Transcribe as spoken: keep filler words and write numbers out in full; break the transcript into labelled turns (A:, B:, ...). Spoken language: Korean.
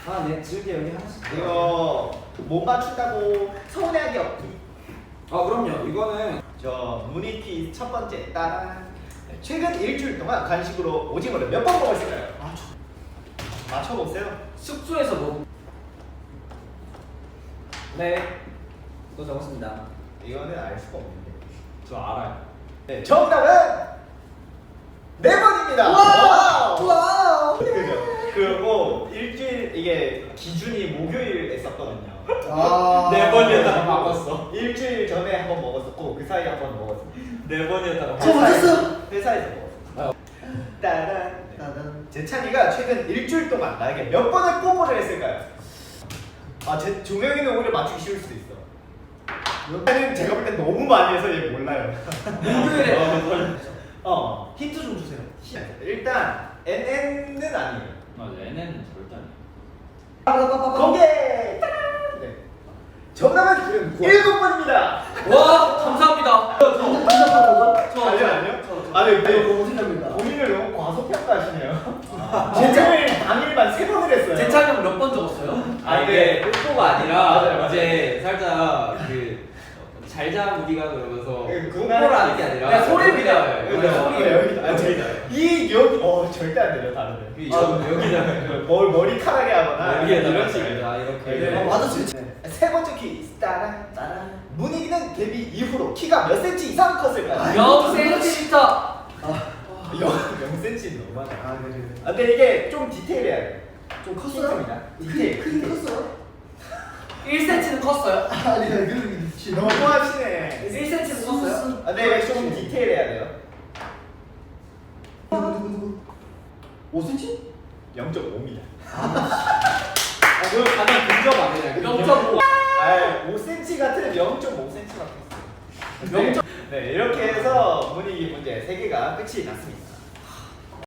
A: 아, 네, 즐겨 여기 하나씩.
B: 이거 못 맞춘다고 서운해하기 없기.
A: 아, 그럼요. 이거는
B: 저 무늬 퀴즈 첫 번째 따란. 최근 일주일 동안 간식으로 오징어를 몇 번 먹었을까요?
A: 아, 저
B: 맞춰보세요.
A: 숙소에서 먹. 네, 또 적었습니다.
B: 이거는 알 수가 없는데.
A: 저 알아요.
B: 네, 정답은 네 번입니다.
A: 와우!
B: 와우! 그죠? 그리고 일주일 이게 기준이 목요일에 썼거든요.
A: 아,
C: 네 번이었다가 바꿨어.
B: 일주일 전에 한 번 먹었었고 그 사이에 한 번 먹었어.
C: 네 번이었다가
A: 저 맞았어.
B: 회사에서 먹었어. 따란.
A: 따단.
B: 재찬이가 최근 일주일 동안 나에게 몇 번을 뽀뽀를 했을까요? 아, 제 종영이는 오히려 맞추기 쉬울 수도 있어. 얘는 제가 볼 땐 너무 많이 해서 얘 몰라요.
A: 목요일에.
B: 어,
A: 힌트 좀 주세요.
B: 일단 엔엔은 아니에요.
C: 맞아, 얘네는 절대 아니야.
A: 빠바바바바.
B: 공개! 따란! 네. 정답은
A: 그래,
B: 일곱 번입니다.
C: 와, 감사합니다.
A: 완전 대답하는 거?
C: 저,
B: 아니요, 아니요. 아니,
A: 이거
B: 네.
A: 너무 생각합니다.
B: 본인을 너무 과소평가하시네요.
C: 아.
B: 제일 당일만 세 번을 했어요.
C: 제 차는 몇 번 적었어요?
B: 아,
C: 아, 이게 뽀뽀가 아니라
B: 맞아요, 맞아요.
C: 이제 살짝 그 잘자 우리가 그러면서
B: 그
C: 뽀뽀를 하는 게 아니라
A: 그냥 소리입니다.
C: 네,
B: 여기다,
C: 맞아요.
B: 여기다, 여기다.
C: 여기다.
B: 이 여기 어 절대 안 돼요 다른데.
C: 이 저- 여기다.
B: 뭘 머리카락에 하거나
C: 여기에다가
B: 이런 식으로.
C: 잘자 이렇게.
B: 네.
A: 아, 맞아, 진짜.
B: 세 번째 퀴즈 따란.
A: 따란.
B: 문희기는 데뷔 이후로 키가 몇 센치 이상 컸을까요?
C: 영 센티미터.
B: 영 센치 너무하네.
A: 아, 그래.
B: 아, 근데 이게 좀 디테일해야 돼.
A: 좀 컸어요?
B: 힌트입니다. 디테일.
A: 크긴 컸어요?
C: 일 센티미터는 컸어요?
A: 아니, 그 미친.
B: 너무 하시네.
C: 일 센티미터는 컸어요?
B: 아, 근데 이게 좀 디테일해야 돼요.
A: 누구 누구 누구? 오 센치?
B: 영 점 오입니다.
C: 아, 그럼 가장 근접 아니냐? 영 점 오.
B: 아, 오 센치 같은 영 점 오 센치밖에 없어요.
C: 영 점-
B: 네, 이렇게 해서 분위기 문제 세 개가 끝이 났습니다.